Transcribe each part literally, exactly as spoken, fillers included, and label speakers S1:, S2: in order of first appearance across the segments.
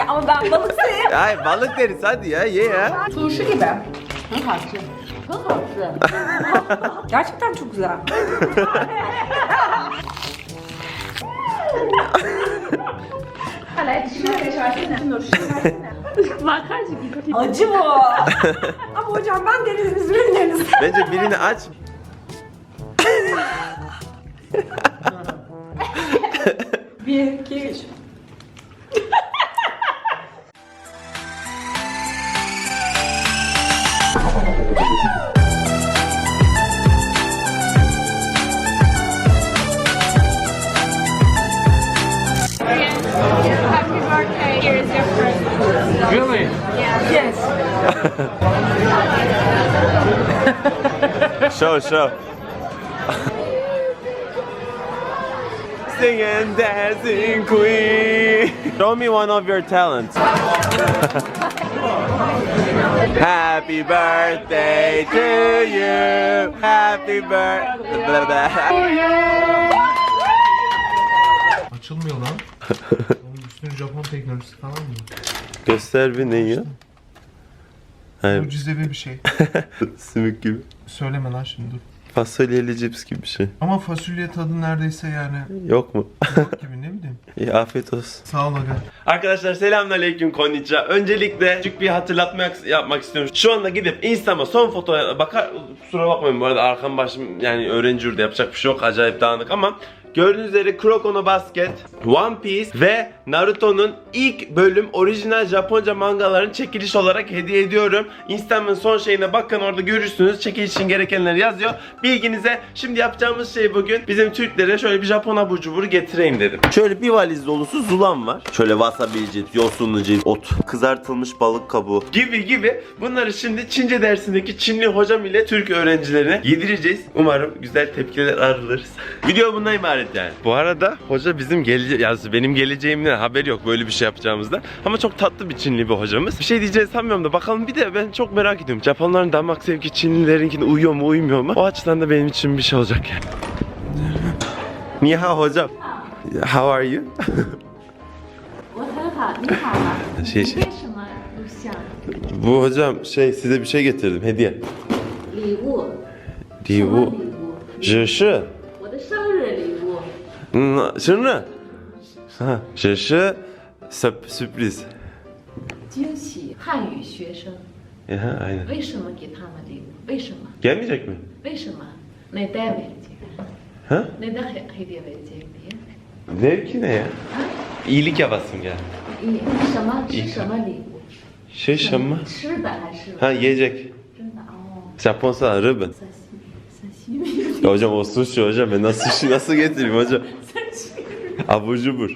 S1: ama ben balık seveyim.
S2: Ay balık deriz hadi ya ye ya.
S1: Turşu gibi. Çok harçlı. Çok harçlı. Gerçekten çok güzel. Acı bu. Ama hocam ben deniz ürünleriniz.
S2: Bence birini aç.
S1: Bir, iki, üç.
S3: Happy birthday. Here is your present.
S4: Really?
S1: Yes.
S2: Show show. Sing and dancing queen. Show me one of your talents. Happy birthday to you. Happy birthday.
S4: Açılmıyor lan. Onun üstüne Japon teknolojisi falan mı?
S2: Göster bir neyi? Hayır.
S4: Mucizevi bir şey.
S2: Sümük gibi.
S4: Söyleme lan şimdi dur.
S2: Fasulyeli cips gibi bir şey.
S4: Ama fasulye tadı neredeyse yani
S2: Yok mu?
S4: yok gibi ne bileyim.
S2: İyi afiyet olsun.
S4: Sağ ol aga.
S2: Arkadaşlar selamünaleyküm konnichiwa. Öncelikle küçük bir hatırlatma yapmak istiyorum. Şu anda gidip Instagram'a son fotoğrafa bakar, kusura bakmayın bu arada arkam başım yani öğrenci yurdu yapacak bir şey yok, acayip dağınık ama gördüğünüz üzere Kuroko no Basket, One Piece ve Naruto'nun ilk bölüm orijinal Japonca mangalarını çekiliş olarak hediye ediyorum. Instagram'ın son şeyine bakın, orada görürsünüz. Çekiliş için gerekenleri yazıyor. Bilginize. Şimdi yapacağımız şey bugün bizim Türklere şöyle bir Japon abur cuburu getireyim dedim. Şöyle bir valiz dolusu zulam var. Şöyle wasabi cips, yosunlu cips, ot, kızartılmış balık kabuğu gibi gibi. Bunları şimdi Çince dersindeki Çinli hocam ile Türk öğrencilerine yedireceğiz. Umarım güzel tepkiler alırız. Video bundan ibaret yani. Bu arada hoca bizim gelece yani benim geleceğimden haberi yok böyle bir şey yapacağımızda. Ama çok tatlı bir Çinli bir hocamız. Bir şey diyeceğini sanmıyorum da bakalım, bir de ben çok merak ediyorum. Japonların damak zevki Çinlilerinkine uyuyor mu uymuyor mu? O açıdan da benim için bir şey olacak yani. Ni hao hocam. How are you?
S3: 我很好，你好吗？
S2: 谢谢。
S3: 为什么录像？
S2: Bu hocam şey size bir şey getirdim hediye.
S3: 礼物。
S2: 礼物
S3: 什么礼物？
S2: 只是
S3: 我的生日礼物。
S2: 嗯生日哈只是 sürpriz.
S3: 惊喜汉语学生，
S2: Aha, aynen.
S3: 为什么给他们礼物？为什么？
S2: Gelmeyecek mi?
S3: 为什么？Neden verecek?
S2: Ha?
S3: Neden he- hediye verecek diye?
S2: Zevki ne ya? İyilik yapasın gel.
S3: 你什么吃什么礼物？
S2: Şey şamma.
S3: 吃的还是
S2: Ha yiyecek.
S3: 真的？哦，
S2: Japonsa ribbon.
S3: 三西米，三西米。
S2: Ya hocam o sushi hocam, ben nasıl sushi nasıl getireyim hocam? Abur cubur.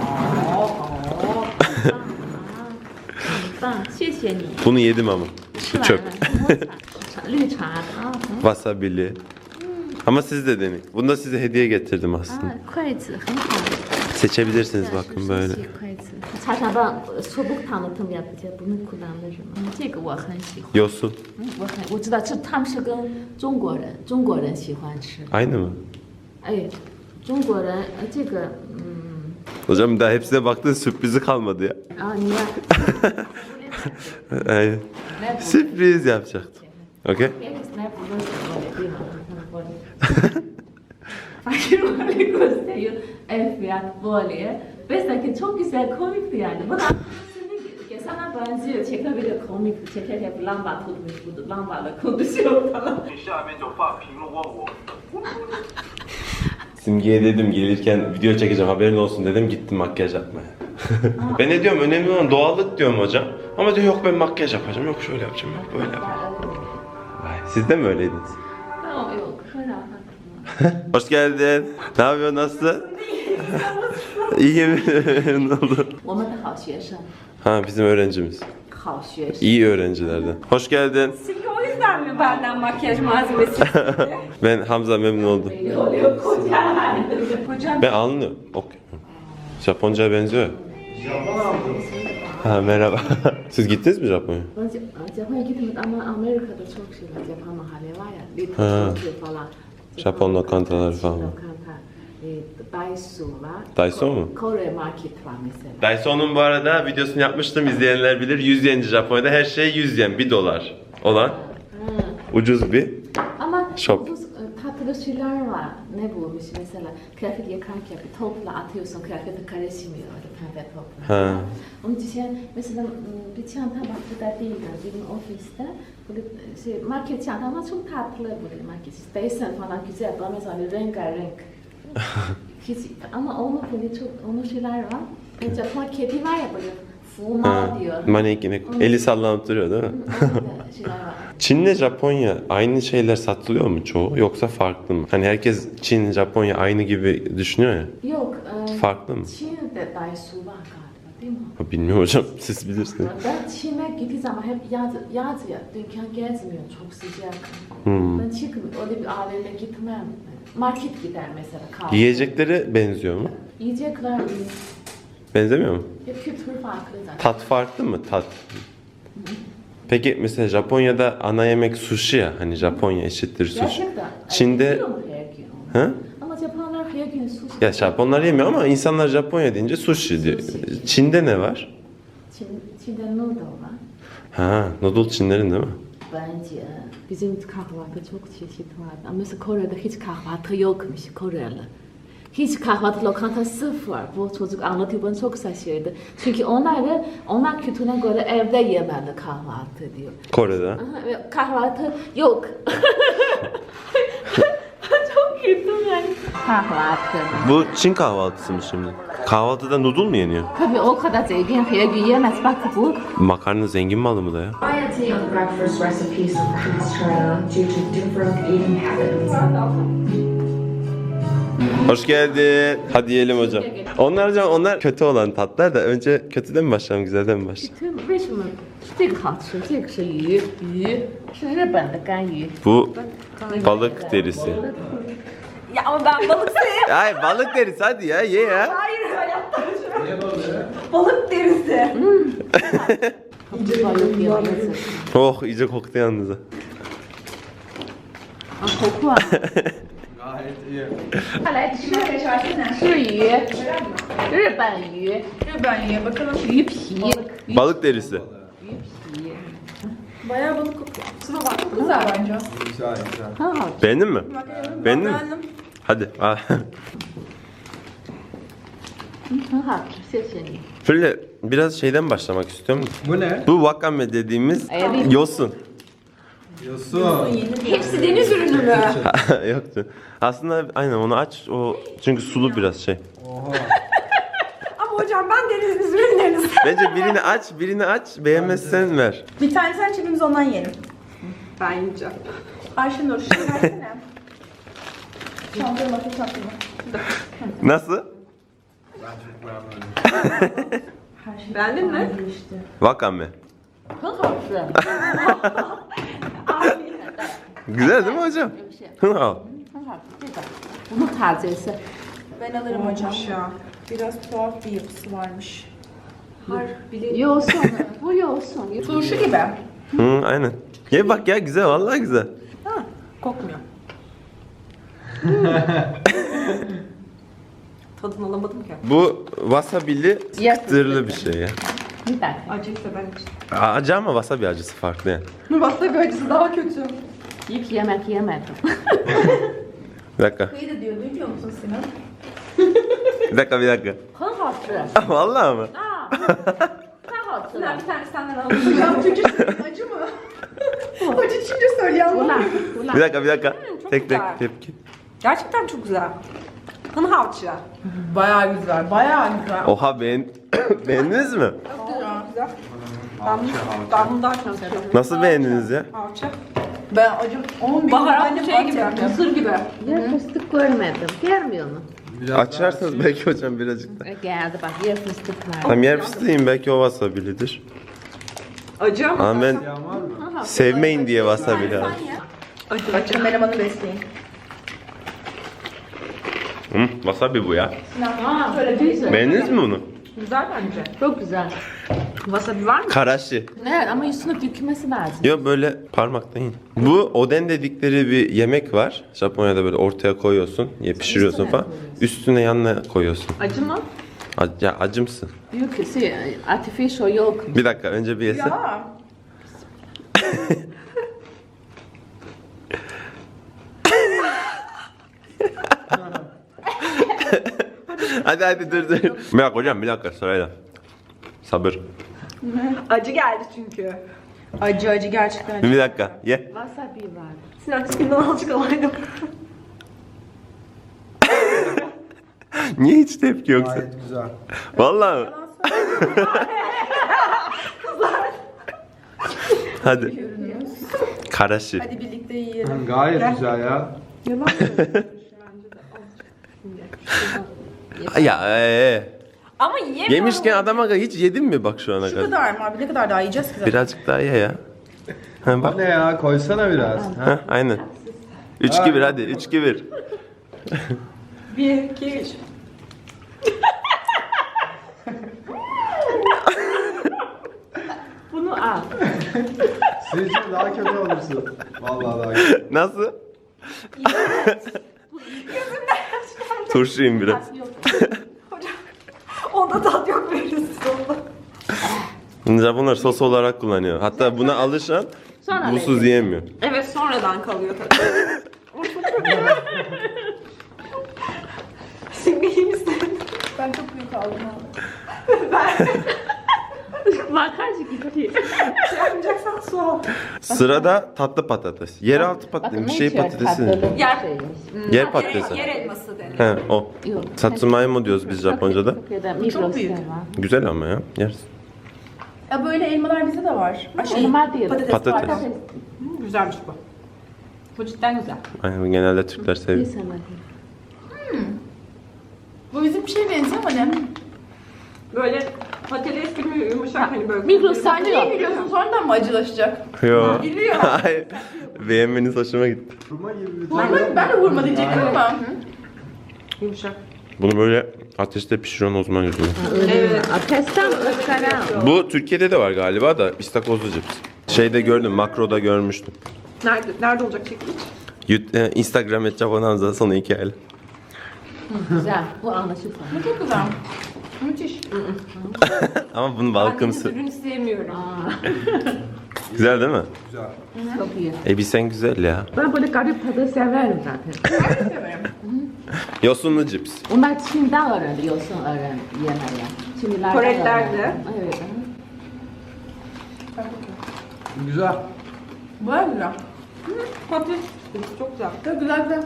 S3: 很棒，谢谢你。
S2: Bunu yedim ama.
S3: 吃
S2: Bu
S3: 完
S2: çöp.
S3: 了，茶绿茶的啊，很好
S2: Wasabili. Ama siz de deneyin. Bunu da size hediye getirdim
S3: 啊
S2: aslında. ，
S3: 筷子很好。
S2: Seçebilirsiniz bakın böyle.
S3: 筷子，茶茶棒soğuk tanıtım yapacak. Bunu kullanırım. 这个我很喜欢。
S2: Yosun.
S3: 嗯，我很我知道，这他们是跟中国人，中国人喜欢吃。
S2: Aynı mı?
S3: 哎，中国人呃这个嗯
S2: Hocam daha hepsine baktın, sürprizi kalmadı ya.
S3: 啊，你看，
S2: Aynen. Sürpriz yapacaktım. Okey?
S3: Snap burası böyle değil mi? Böyle. Fakir böyle gösteriyor. El fiyat böyle. Mesela çok güzel komikti yani. Bu da kesinlikle sana benziyor. Çekebilir komikti. Çekerken bir lamba tutmuş. Bu lambayla konuşuyor falan.
S5: 下面就发评论问我
S2: Simge'ye dedim gelirken video çekeceğim haberin olsun dedim, gittim makyaj yapmaya. Ben ne diyorum, önemli olan doğallık diyorum hocam. Ama diyor yok ben makyaj yapacağım, yok şöyle yapacağım, yok böyle yapacağım. Vay, siz de mi öyleydiniz?
S3: 那我有科长
S2: Hoş geldin. Ne yapıyorsun, nasılsın? İyi mi? Ne oldu?
S3: 我们的好学生，
S2: Ha bizim öğrencimiz.
S3: 好学生。
S2: İyi öğrencilerden. Hoş geldin.
S1: Silke o yüzden mi benden makyaj malzemesi istedi?
S2: Ben Hamza, memnun oldum.
S3: Oluyor koca.
S1: Hocam
S2: Ben anlıyorum. Okay. Japonca'ya benziyor.
S5: Japon aldım.
S2: Ha merhaba. Siz gittiniz mi Japonya'ya?
S3: Ben Japonya gitmedim ama Amerika'da çok şey var. Japon mahalle var ya.
S2: Ha.
S3: Little Tokyo falan.
S2: Japon lokantaları falan.
S3: Lokanta. e, Daiso var.
S2: Daiso mu?
S3: Kore market var mesela.
S2: Daiso'nun bu arada videosunu yapmıştım, izleyenler bilir. yüz yenci Japonya'da her şey yüz yen, bir dolar olan ucuz bir
S3: Ama
S2: shop.
S3: bu e, tatlı şeyler var. Ne bulmuş mesela kıyafet yıkarken bir topla atıyorsun, kıyafeti karışmıyor öyle pembe topla.
S2: Ha.
S3: Onun için mesela m, bir çanta bak bu da değildi bizim ofiste. Böyle şey, market çanta ama çok tatlı böyle market. Desen falan güzel ama mesela rengarenk. Hiç, ama onun böyle çok onun şeyler var. E, Japon kedi var ya böyle fuma
S2: Ha.
S3: diyor.
S2: Manekini eli sallanıp duruyor değil mi?
S3: Onun da şeyler var.
S2: Çin'le Japonya aynı şeyler satılıyor mu çoğu yoksa farklı mı? Hani herkes Çin, Japonya aynı gibi düşünüyor ya.
S3: Yok. E,
S2: Farklı mı?
S3: Çin'de Daiso var galiba değil mi?
S2: Bilmiyorum hocam, siz bilirsiniz.
S3: Ben Çin'e gittiğim zaman hep yaz, yaz ya, dükkan gezmiyor, çok sıcak.
S2: Hmm.
S3: Ben çıkmıyorum, öyle bir A V M'ye gitmem. Market gider mesela kahve.
S2: Yiyecekleri benziyor mu?
S3: Yiyecekler
S2: Benzemiyor mu?
S3: hep kültür farklı zaten.
S2: Tat farklı mı? Tat. Peki mesela Japonya'da ana yemek sushi ya. Hani Japonya eşittir sushi.
S3: Gerçekten.
S2: Çin'de...
S3: Yiyor mu her gün?
S2: Ha?
S3: Ama Japonlar her gün sushi.
S2: Ya Japonlar yemiyor ama insanlar Japonya deyince sushi diyor.
S3: Sushi.
S2: Çin'de ne var?
S3: Çin, Çin'de noodle var.
S2: Ha, noodle Çinlerin değil mi?
S3: Bence bizim kahvaltı çok çeşit var. Ama mesela Kore'de hiç kahvaltı yokmuş Koreli. Hiç kahvaltı lokanta sıfır. Bu çocuk anlatıyor, bana çok şaşırdı. Çünkü onlar da, onlar kültürüne göre evde yemeli kahvaltı diyor.
S2: Kore'de.
S3: Aha, ve kahvaltı yok. Çok güldüm yani. Kahvaltı.
S2: Bu Çin kahvaltısı mı şimdi? Kahvaltıda noodle mu yeniyor?
S3: Tabii o kadar zengin her gün yemez. Bak bu.
S2: Makarna zengin malı mı da ya?
S6: Variety of breakfast recipes increased China due to different eating habits.
S2: Hoş geldin. Hadi yiyelim hocam. Onlar hocam onlar kötü olan tatlar da önce kötüden mi başlayalım, güzelden mi başlayalım?
S3: 为什么这个好吃？这个是鱼，鱼是日本的干鱼。
S2: Bu balık derisi.
S1: Ya ama ben balık sevmiyorum.
S2: Ay balık derisi hadi ya ye ya.
S1: Hayır hayatta balık derisi.
S3: balık yiyor.
S2: Oh iyice koktu yalnız. ha.
S3: Ah, koku var.
S4: Gayet iyi.
S1: 快来吃这是吧？
S3: 是鱼，日本鱼，
S1: Ben ye bakalım.
S3: 鱼皮，
S2: Balık derisi.
S3: 鱼皮，
S1: Bayağı balık kokuyor. Şuna bak çok güzel bence.
S4: Güzel güzel.
S3: 很好吃。
S2: Beğendin mi? Beğendin mi?
S1: Beğendim.
S2: Hadi al.
S3: 嗯，很好吃，谢谢你。
S2: Şöyle biraz şeyden başlamak istiyorum.
S4: Bu ne?
S2: Bu wakame dediğimiz
S3: Evet.
S2: yosun.
S4: Yosun.
S1: Hepsi deniz ürünü mü?
S2: Yoktu. Aslında aynen onu aç o çünkü sulu biraz şey.
S4: Oha.
S1: Ama hocam ben deniz ürünleriniz.
S2: Bence birini aç, birini aç, beğenmezsen ver.
S1: Bir tane sen çekimiz ondan yiyelim. Ben yiyeceğim. Ayşenur şunu versene. Çantaya bakın çantaya.
S2: Nasıl?
S4: Ben çok beğenmedim.
S1: Beğendin mi?
S2: Wakame.
S3: 很好吃。
S2: Güzel değil mi hocam? Hı, al.
S3: 很好吃，这个。Bunun tazesi.
S1: Ben alırım hocam ya. Biraz tuhaf bir yapısı varmış. Har bile
S3: Yosun, bu yosun.
S1: turşu gibi.
S2: Hı, aynen. Ye bak ya güzel vallahi güzel.
S1: Ha, kokmuyor. Tadını alamadım ki.
S2: Bu wasabili çıtırlı bir şey ya.
S3: Bir dakika.
S1: Acıysa ben için.
S2: Acı ama wasabi acısı farklı yani.
S1: Wasabi acısı daha kötü.
S3: Yiyip yemek yemedim.
S2: Bir dakika.
S1: Şey de diyor, duymuyor musun Sinan?
S2: Bir dakika bir dakika.
S3: 很好吃。
S2: Vallahi mı?
S3: 啊，太好吃
S1: Sinan
S3: 了
S1: bir。tane senden alalım. Hocam Türkçe acı mı? Acı Çince söylüyor
S3: 胡
S1: ama.
S3: 辣胡
S2: Bir
S3: 辣。
S2: dakika bir dakika.
S1: çok
S2: Tek tek
S1: güzel.
S2: tepki.
S1: Gerçekten çok güzel. Hın havçı.
S7: Bayağı güzel, bayağı güzel.
S2: Oha beğen beğendiniz mi?
S1: Güzel. Ben, ben bunu daha çok seviyorum.
S2: Nasıl beğendiniz ya?
S1: Havçı.
S7: Ben acım on bin
S1: Baharatlı şey gibi, mısır gibi.
S3: Yer fıstık görmedim. Gelmiyor mu?
S4: Biraz
S2: Açarsanız belki hocam birazcık da.
S3: E, geldi bak yer fıstık var.
S2: Tam yer fıstığıyım belki o wasabilidir.
S1: Acı ama.
S2: Ama ben
S4: daha var mı?
S2: sevmeyin diye wasabi lazım.
S1: Acı. Acı. Kameramanı besleyin.
S2: Hı, wasabi bu ya.
S3: Aa, böyle güzel.
S2: Beğendiniz mi bunu?
S1: Güzel bence.
S3: Çok güzel.
S1: Wasabi var mı?
S2: Karashi.
S3: Evet ama üstüne dökülmesi lazım.
S2: Yok böyle parmakla yiyin. Bu oden dedikleri bir yemek var. Japonya'da böyle ortaya koyuyorsun, ye pişiriyorsun
S3: Üstüne
S2: falan.
S3: koyuyorsun.
S2: Üstüne yanına koyuyorsun.
S1: Acı mı?
S2: Ac- ya acımsın.
S3: Yok şey, artificial yok.
S2: Bir dakika önce bir yese.
S1: Ya.
S2: Hadi hadi dur dur. Bir dakika hocam bir dakika sırayla. Sabır.
S1: Acı geldi çünkü. Acı acı gerçekten acı.
S2: Bir dakika ye.
S3: Wasabi var.
S1: Sinan tipinden azıcık alaydım.
S2: Niye hiç tepki yok sen?
S4: Gayet güzel.
S2: Vallahi mi? Hadi. Karashi.
S1: Hadi birlikte yiyelim.
S4: Gayet güzel ya.
S2: Ya ee.
S1: Ama yiyemiyorum.
S2: Yemişken adama hiç yedin mi bak şu ana
S1: Şu
S2: kadar?
S1: kadar mı abi? Ne kadar daha yiyeceğiz ki zaten?
S2: Birazcık daha ye ya. Ha, bak.
S4: Ne ya koysana biraz. Ha?
S2: Ha, aynen. üç iki bir hadi. üç iki bir.
S1: Bir, iki, üç.
S3: Bunu al.
S4: Sizce daha kötü olursun. Vallahi daha kötü.
S2: Nasıl? Turşu yiyin biraz.
S3: Yok.
S1: Onda tat yok veririz sonunda.
S2: Japonlar sos olarak kullanıyor. Hatta buna alışan
S3: Sonra
S2: busuz yiyemiyor.
S1: Evet sonradan kalıyor tabii. O çok kötü. Şimdi iyi misin? Ben çok büyük aldım abi.
S3: Makarcık gibi.
S1: Şey yapmayacaksan su al.
S2: Sırada tatlı patates. Yeraltı patates. Bir şey patatesi.
S1: Yer-
S2: Yer patatesi.
S1: Yer elması denir.
S2: He o.
S3: Yok.
S2: Satsumaimo diyoruz biz Japonca'da.
S1: çok büyük.
S2: Güzel ama ya. Yeriz.
S1: Ya böyle elmalar bizde de var. Ay, Şey,
S3: Elma değil.
S1: patates,
S2: Patates.
S1: var. Hı, güzelmiş bu. Bu cidden güzel.
S2: Aynen genelde Türkler seviyor.
S1: Bu bizim bir şeye benziyor ama ne? Böyle patates gibi yumuşak hani böyle.
S3: Migros sen de
S1: Niye
S3: yok.
S1: gülüyorsun? Sonradan mı acılaşacak?
S2: Yo.
S1: Gülüyor.
S2: Hayır. Beğenmeniz hoşuma gitti.
S4: Kurma gibi bir
S1: Ben de, ben de vurma diyecektim ama. Yumuşak.
S2: Bunu böyle ateşte pişiriyorsun o zaman güzel.
S1: Evet.
S3: Ateşten ıskara.
S2: Bu Türkiye'de de var galiba da istakozlu cips. Şeyde gördüm, makroda görmüştüm.
S1: Nerede, nerede olacak çekiliş?
S2: Yut- e, Instagram et Japonanza sonu hikayeli.
S3: Güzel. Bu anlaşılır.
S1: Bu çok güzel. Müthiş.
S2: Ama bunun balkımsı.
S1: ürün sevmiyorum.
S2: Güzel değil mi?
S3: Çok iyi.
S2: Elbisen güzel ya.
S3: Ben böyle garip tadı severim zaten.
S1: Severim.
S2: Yosunlu cips.
S3: Onlar Çin'den öğrendi, yosun öğrendi yemeği. Çinlilerden
S1: Koreliler de.
S3: öğrendi. Evet.
S4: Güzel.
S1: Baya güzel. Hı, patates. Çok güzel. Çok güzel güzel.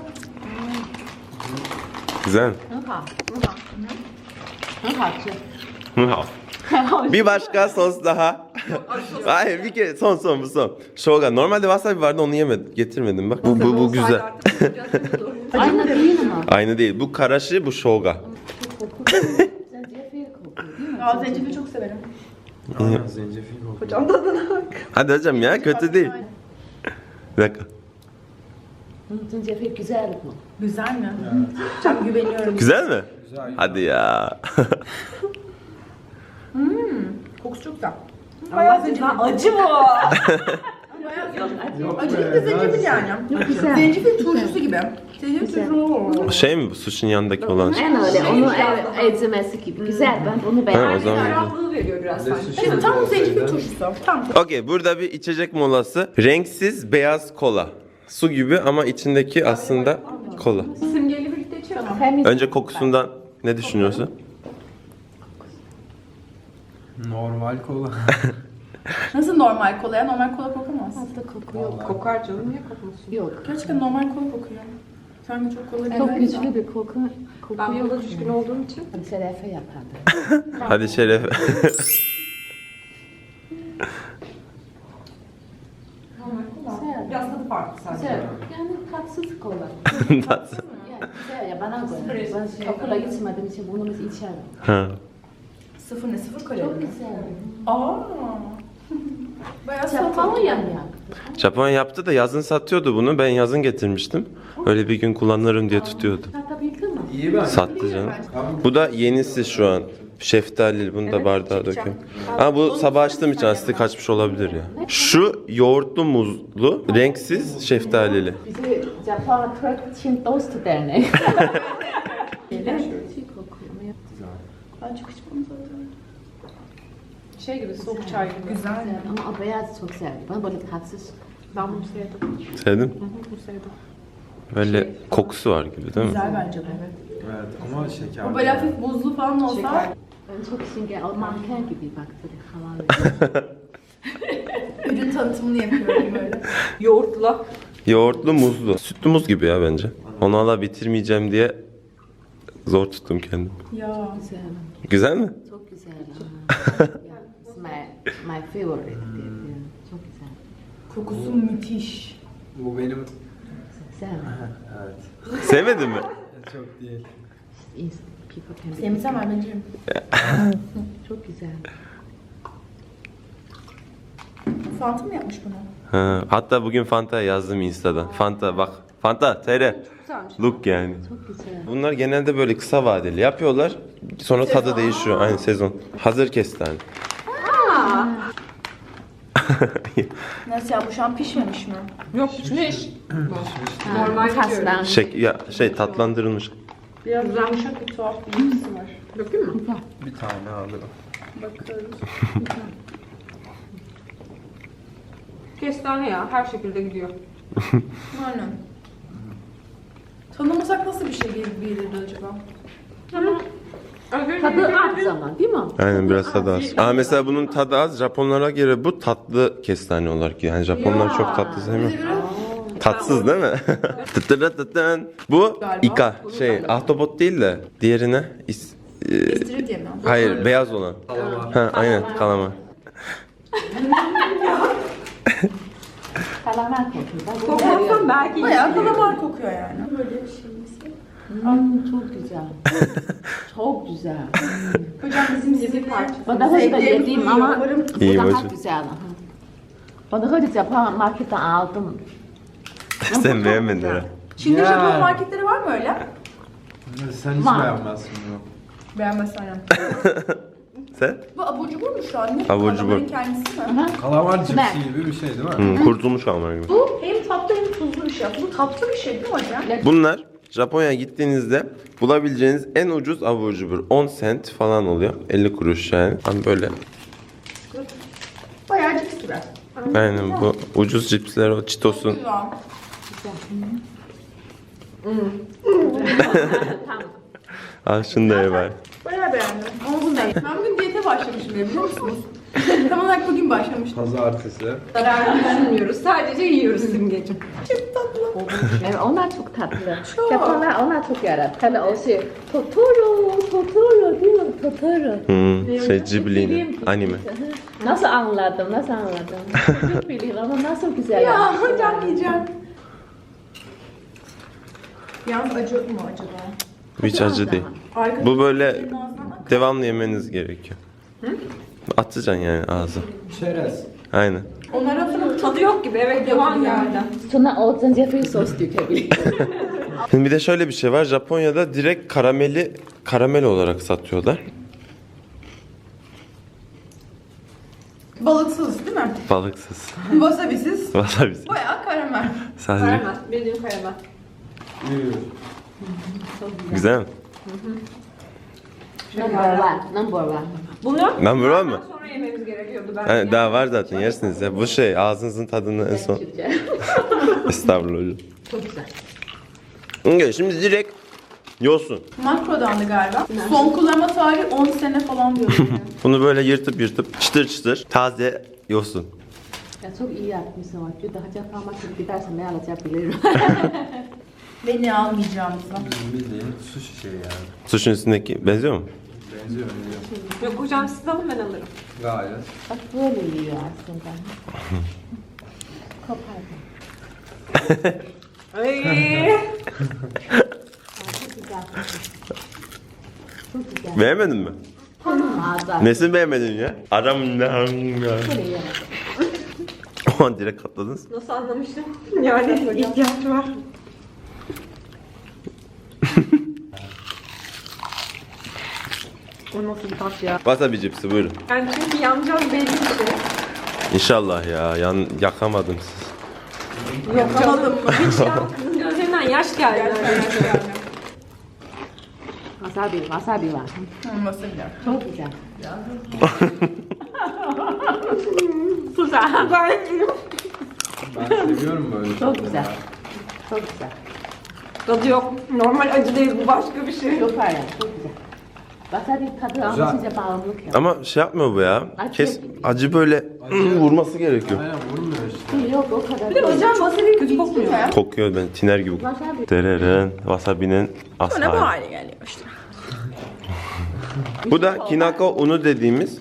S2: Güzel.
S3: 很好，很好吃。
S2: Bir başka sos daha. Hayır bir kere son son bu son. Shoga. Normalde wasabi vardı onu yemedim. Getirmedim bak. Bu bu, bu güzel.
S3: Aynı değil ama.
S2: Aynı değil. Bu karashi bu shoga.
S3: Zencefil kokuyor değil mi?
S1: Aa, zencefil çok severim.
S4: Aynen zencefil kokuyor.
S1: Hocam tadına bak.
S2: Hadi hocam ya kötü değil. Bir dakika.
S3: Hı, zencefil güzel bu.
S1: Güzel mi? Çok güveniyorum.
S2: Güzel mi?
S4: Güzel.
S2: Hadi ya.
S1: Kokusu çok güzel. Bayağı zencefil. Acı bu.
S4: Yok
S1: Acı
S4: be,
S1: bir de zencefil
S4: ben-
S1: yani.
S3: Güzel.
S1: Zencefil turşusu gibi. Zencefil turşusu.
S2: Şey mi bu sushi'nin yanındaki olan şey?
S3: En öyle, onu evet, ezmesi gibi. Güzel, ben bunu
S2: Ha, o
S3: beğendim.
S2: zaman güzel.
S1: Ferahlığı veriyor biraz sanki.
S4: sushi
S1: Evet, tam
S4: gibi
S1: zencefil
S4: olsaydı.
S1: turşusu. Tam.
S2: Okey burada bir içecek molası. Renksiz beyaz kola. Su gibi ama içindeki aslında kola.
S1: Simgeyle birlikte içiyorum.
S3: Temiz.
S2: Önce kokusundan ne düşünüyorsun?
S4: Normal kola.
S1: Nasıl normal kola ya? Normal kola kokamaz.
S3: Fazla koku yok.
S1: Kokar canım. Niye kokmasın?
S3: Yok.
S1: Gerçekten normal kola kokuyor. Sanki çok kola değil.
S3: Çok güçlü bir koku. Koku
S1: Ben
S3: yok.
S1: kola düşkün olduğum için.
S3: Hadi Şerefe yapardı.
S2: Hadi Şeref.
S3: Güzel.
S1: Biraz tadı farklı sadece.
S3: Güzel. Yani tatsız kola.
S2: Tatlı.
S3: Yani güzel ya bana göre. Ben okula gitmediğim için bunu biz içerim.
S2: Ha.
S1: Sıfır ne? Sıfır kalori
S3: Çok
S1: mi?
S3: güzel.
S1: Aa. Bayağı
S3: Japonya mı yaptı?
S2: Japonya yaptı da yazın satıyordu bunu. Ben yazın getirmiştim. Öyle bir gün kullanırım diye tutuyordu.
S3: Satabildin mi?
S4: İyi ben.
S2: Sattı canım. Bu da yenisi şu an Şeftalili, bunu da bardağa döküyorum. Ha, bu sabah açtığım için asitli kaçmış olabilir ya. Şu yoğurtlu muzlu, renksiz şeftalili.
S3: Bizi Japon'a Türk Çin dostu derneği.
S1: Ben çok içmem zaten.
S7: Şey gibi soğuk çay gibi. Güzel.
S3: Ama o beyaz çok sevdim. Bana böyle tatsız.
S7: Ben bunu sevdim.
S2: Sevdin?
S7: Bunu sevdim.
S2: Böyle kokusu var gibi değil mi?
S1: Güzel bence bu.
S4: Evet ama şeker.
S1: Bu böyle hafif buzlu falan olsa
S3: Ben çok şimdi o manken gibi baktı. Havalı.
S1: ürün tanıtımını yapıyorum böyle.
S7: Yoğurtla.
S2: Yoğurtlu muzlu. Sütlü muz gibi ya bence. Onu hala bitirmeyeceğim diye zor tuttum kendimi.
S1: Ya.
S3: Güzel.
S2: Güzel mi?
S3: Çok güzel. Yeah, it's my, my favorite diyebilirim. Çok güzel.
S1: Kokusu müthiş.
S4: Bu benim
S3: Güzel.
S4: evet.
S2: Sevmedin mi?
S4: Çok değil.
S3: Is- People can be
S1: Sevmesem anneciğim.
S3: çok güzel.
S1: Fanta mı yapmış bunu?
S2: Ha, hatta bugün Fanta'ya yazdım Insta'dan. Fanta bak. Fanta, T R. Look yani.
S3: Çok güzel.
S2: Bunlar genelde böyle kısa vadeli yapıyorlar. Sonra tadı değişiyor. Aynı sezon. Hazır kestane.
S1: Nasıl ya, bu şu an pişmemiş mi?
S7: Yok pişmiş.
S3: Normal taslan.
S2: Şey, ya, şey tatlandırılmış.
S1: Biraz yumuşak bir tuhaf bir yapısı var.
S7: Bakayım mı?
S4: Bir tane alırım.
S1: Bakarız.
S7: Kestane ya. Her şekilde gidiyor.
S1: Aynen. Tanımasak nasıl bir şey gelir bilirdi acaba?
S3: Tadı az zaman değil mi?
S2: Aynen, biraz tadı az. Aa, mesela bunun tadı az. Japonlara göre bu tatlı kestane olarak. Yani Japonlar çok tatlı sevmiyor. Tatsız değil mi? Tıtırıtıtın. Bu ika. Şey, ahtapot değil de diğerine is, e,
S1: İstiridye mi?
S2: hayır, beyaz olan.
S4: Kalamar.
S2: Ha, aynen, kalamar.
S3: Kalamar kokuyor.
S7: Kokmazsan belki
S1: Bayağı kalamar kokuyor yani.
S3: Hmm, çok güzel. çok güzel.
S1: Hocam bizim sizi parça.
S3: Ben daha önce de yediğim ama bu
S2: İyi
S3: daha
S2: hocam.
S3: güzel. Ben daha önce Japon marketten aldım.
S2: Sen beğenmedin ha.
S1: Çin'de
S4: Ya.
S1: Japon marketleri var mı öyle?
S4: Sen hiç
S3: Var.
S4: beğenmezsin bunu.
S1: Beğenmezsen aynen.
S2: Sen?
S1: Bu abur cubur mu şu an? Ne?
S2: Abur cubur.
S1: Kalamarın kendisi mi?
S4: Kalamar
S3: Ben-
S4: cipsi gibi bir şey değil mi?
S2: Hmm, kurutulmuş kalamar gibi.
S1: Bu hem tatlı hem tuzlu bir şey. Bu tatlı bir şey değil mi hocam?
S2: Bunlar Japonya'ya gittiğinizde bulabileceğiniz en ucuz abur cubur. on sent falan oluyor. elli kuruş yani. Hani böyle.
S1: Bayağı cips gibi.
S2: Aynen, bu ucuz cipsler, o Cheetos'un.
S1: Güzel.
S2: Al şunu da ye bari.
S1: Bayağı beğendim. Ama bunu da ben bugün diyete başlamışım ya, biliyor musunuz? Tam olarak bugün başlamıştım.
S4: Pazartesi.
S7: zararlı düşünmüyoruz. Sadece yiyoruz Simgeciğim.
S1: Çok tatlı.
S3: Evet, onlar çok tatlı. Japonlar onlar çok yarar. Hele o şey Totoro, Totoro değil mi? Totoro.
S2: Hmm, şey Ghibli'nin
S3: Film.
S2: anime.
S3: Nasıl anladım, nasıl anladım? Çok biliyorum ama nasıl güzel
S1: Ya
S3: yapmışlar.
S1: hocam yiyeceğim. Yalnız acı mı acaba?
S2: Hiç acı değil.
S1: Arkadaşlar,
S2: Bu böyle
S1: benim ağzıma bak.
S2: devamlı yemeniz gerekiyor. Atacaksın yani ağza.
S4: Çerez.
S2: Aynen.
S1: Onlara
S7: Tadı yok gibi. Evet devam geldi.
S3: Sonra o Jeffrey sos dökebilir.
S2: Şimdi bir de şöyle bir şey var. Japonya'da direkt karameli karamel olarak satıyorlar.
S1: Balıksız değil mi?
S2: Balıksız.
S1: Wasabisiz.
S2: Wasabi.
S1: Bayağı karamel.
S2: Sadece
S7: Karamel. Bildiğim karamel.
S2: güzel mi?
S3: Number one, number one.
S7: Bunu
S2: Number one mı?
S7: sonra yememiz gerekiyordu. Ben
S2: Yani daha var zaten, yersiniz ya. Bu şey ağzınızın tadını en son.
S3: Türkçe.
S2: Estağfurullah hocam.
S3: Çok güzel.
S2: Okay, şimdi direkt yosun.
S1: Makrodandı galiba. Son kullanma tarihi on sene falan diyor.
S2: Bunu böyle yırtıp yırtıp çıtır çıtır taze yosun.
S3: Ya çok iyi yapmışsın. Bak, daha Japon markete gidersen ne alacağım
S1: Beni almayacağımızı.
S4: Bizim bildiğin sushi şey yani.
S2: Suşun üstündeki benziyor mu?
S4: Benziyor benziyor.
S7: Yok hocam siz alın ben alırım.
S4: Gayet.
S3: Bak böyle yiyor aslında. Kopardım.
S7: Ay.
S3: Çok güzel. Çok güzel.
S2: Beğenmedin mi?
S3: Tam ağza.
S2: Nesini beğenmedin ya? Adam ne?
S3: Böyle yemedim.
S2: O an direkt katladınız.
S7: Nasıl anlamıştım? Yani ihtiyaç var. O nasıl bir tat ya?
S2: Wasabi cipsi buyurun.
S7: Yani çünkü yanacağız belli bir şey.
S2: İnşallah ya. Yan, yakamadım siz.
S7: Yapamadım mı? Hiç ya. Kızın gözlerinden yaş geldi.
S3: Wasabi, wasabi var.
S1: Olması bile.
S3: Çok güzel.
S7: Güzel. Gayet iyi.
S4: Ben seviyorum böyle.
S3: Çok güzel. Çok güzel.
S7: Tadı yok. Normal acı değil, bu başka bir şey.
S3: Yok hayır, çok güzel. Wasabi tadı ama size bağımlılık yok.
S2: Ama şey yapmıyor bu ya.
S3: Acı
S2: Kes
S3: yapıyor.
S2: acı böyle vurması gerekiyor.
S4: Aynen vurmuyor işte.
S3: Yok o kadar
S1: Bir de
S3: değil.
S1: hocam wasabi kötü kokmuyor ya.
S2: Kokuyor ben tiner gibi.
S3: Wasabi.
S2: Tereren wasabi'nin
S1: Sonra bu
S2: aslı.
S1: hale geliyor işte.
S2: Bu da kinako unu dediğimiz.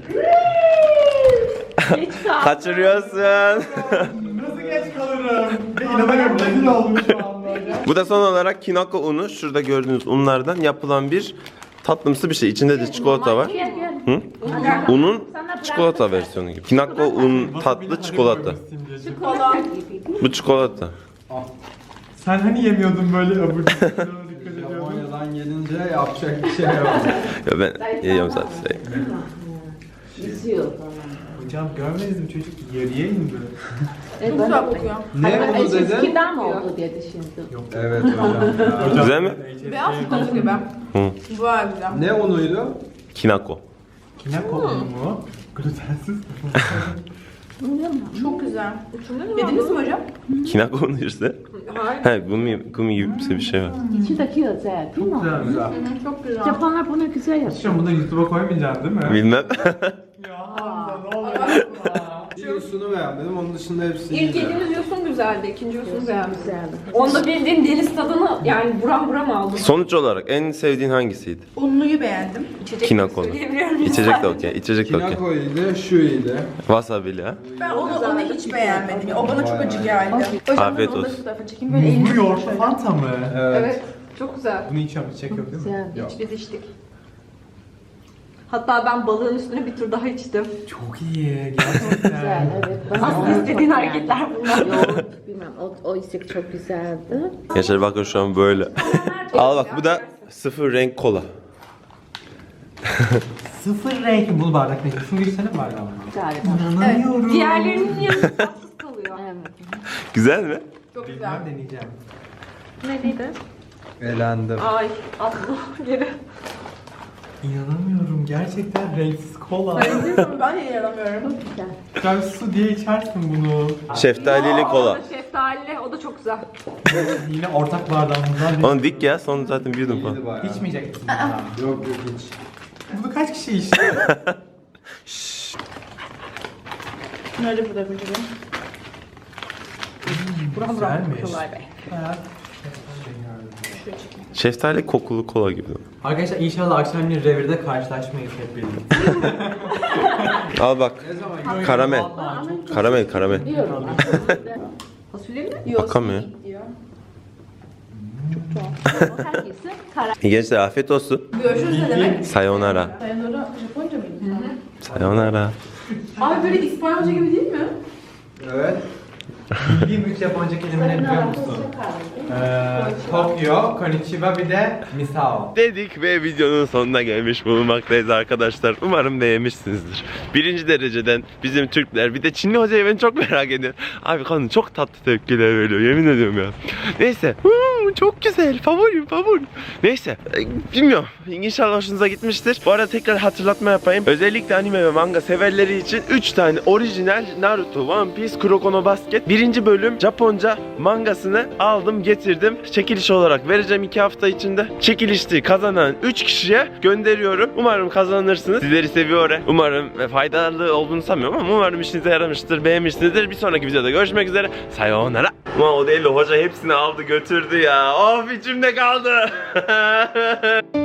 S3: Geç kal.
S2: Kaçırıyorsun.
S4: Nasıl geç kalırım? İnanamıyorum rezil oldum şu anda.
S2: Bu da son olarak kinako unu. Şurada gördüğünüz unlardan yapılan bir tatlımsı bir şey. İçinde de çikolata var.
S3: Gel gel.
S2: Hı? Unun çikolata versiyonu gibi. Kinako un tatlı çikolata. Bu çikolata.
S4: Sen hani yemiyordun böyle abur cubur dikkat ediyordun.
S8: Japonya'dan gelince yapacak bir şey yok.
S2: Ya ben yiyorum zaten.
S3: İzliyor falan.
S4: Hocam görmediniz mi çocuk yarıya indi.
S3: Evet,
S1: Çok güzel kokuyor.
S8: Ne onu dedin?
S3: Eskiden mi oldu diye düşündüm.
S8: Evet hocam ya.
S2: Güzel mi?
S1: Beyaz sütlaç gibi.
S2: Hı.
S1: Bu var güzel.
S8: Ne unuydu?
S2: Kinako.
S4: Kinako unu mu? Glutensiz.
S1: Çok güzel. Yediniz mi hocam?
S2: Kinako unu işte. He gumi, gumi gibi bir şey var.
S3: İçindeki özel değil mi?
S4: Güzel güzel.
S1: Çok güzel.
S3: Japonlar bunu güzel yapıyor.
S4: Şu an bunu YouTube'a koymayacaksın değil mi?
S2: Bilmem.
S4: Ya Hamza ne oluyor?
S8: Bir yosunu beğenmedim, onun dışında hepsini
S7: İlk
S8: güzel.
S7: yediğimiz yosun güzeldi, ikinci yosun beğendim.
S3: Güzeldi.
S7: Onda bildiğin deniz tadını yani buram buram aldım.
S2: Sonuç olarak en sevdiğin hangisiydi?
S1: Unluyu beğendim.
S7: İçecek
S2: Kinako.
S7: söyleyebiliyorum.
S2: İçecek de okey. İçecek de okey.
S8: Kinako iyiydi, şu iyiydi.
S2: Wasabi'li ha.
S1: Ben onu, onu hiç beğenmedim. Ya, o bana çok acı geldi. Hocam
S2: Afiyet
S1: ben onu da
S2: olsun.
S1: şu tarafa çekeyim. Böyle elini
S4: Bu yoğurtlu Fanta mı?
S8: Evet.
S7: Evet, çok güzel.
S4: Bunu içiyorum, içecek yok değil mi?
S3: Güzel.
S7: İç biz içtik. Hatta ben balığın üstüne bir tur daha içtim.
S4: Çok iyi,
S3: Güzel
S4: gerçekten.
S3: evet. Ben
S7: Aslında
S3: onu
S7: istediğin
S3: çok
S7: hareketler
S3: beğendim.
S7: bunlar.
S3: Yoğurt bilmem o, o istek çok güzeldi.
S2: Gençler bakın şu an böyle. Al bak bu da sıfır renk kola.
S4: Sıfır renk bunu bardak ne? Şunu girsene bardağına.
S3: Galiba.
S4: İnanamıyorum.
S7: Diğerlerinin yanında tatsız kalıyor.
S3: Evet.
S2: Güzel mi?
S1: çok güzel.
S4: Bilmem deneyeceğim.
S7: Neydi?
S8: Elendim.
S7: Ay atlı geri.
S4: İnanamıyorum gerçekten renksiz kola.
S1: Ben de yaramıyorum.
S3: Güzel.
S4: Sen su diye içersin bunu.
S2: Şeftalili kola.
S7: Şeftalili, o da çok güzel.
S4: Yine ortak bardağımızdan bir...
S2: Onu dik ya son zaten bir yudum falan.
S8: İyiydi bayağı.
S4: İçmeyecek misin? bundan?
S8: Yok yok hiç.
S4: Bunu kaç kişi içti?
S1: Nerede bu da bir gibi?
S4: Güzelmiş.
S1: Kolay Bey.
S4: Bayağı-
S2: Şeftali kokulu kola gibi.
S4: Arkadaşlar inşallah akşam bir revirde karşılaşmayız hep birlikte.
S2: Al bak. Karamel.
S4: Vallahi çok
S2: Karamel karamel.
S3: Biliyorum.
S7: Fasulye mi?
S1: Yok.
S2: Akamıyor.
S1: Diyor.
S3: Herkesi karar.
S2: İyi gençler afiyet olsun.
S1: Görüşürüz ne demek?
S2: Sayonara.
S1: Sayonara Japonca mıydı?
S2: Sayonara.
S1: Abi böyle İspanyolca gibi değil mi?
S8: Evet.
S4: bildiğim üç Japonca kelimeleri biliyor musun? Ee, Tokyo, Konnichiwa bir de Misao.
S2: Dedik ve videonun sonuna gelmiş bulunmaktayız arkadaşlar. Umarım beğenmişsinizdir. Birinci dereceden bizim Türkler bir de Çinli hocayı ben çok merak ediyorum. Abi kadın çok tatlı tepkiler veriyor yemin ediyorum ya. Neyse. Hmm, çok güzel. Favorim favorim. Neyse. e, Bilmiyorum. İnşallah hoşunuza gitmiştir. Bu arada tekrar hatırlatma yapayım. Özellikle anime ve manga severleri için üç tane orijinal Naruto, One Piece, Kuroko no Basket birinci bölüm Japonca mangasını aldım getirdim. Çekiliş olarak vereceğim iki hafta içinde. Çekilişti kazanan üç kişiye gönderiyorum. Umarım kazanırsınız. Sizleri seviyorum. Umarım faydalı olduğunu sanmıyorum ama umarım işinize yaramıştır, beğenmişsinizdir. Bir sonraki videoda görüşmek üzere. Sayonara. Ama o değil, hoca hepsini aldı götürdü ya. Of içimde kaldı.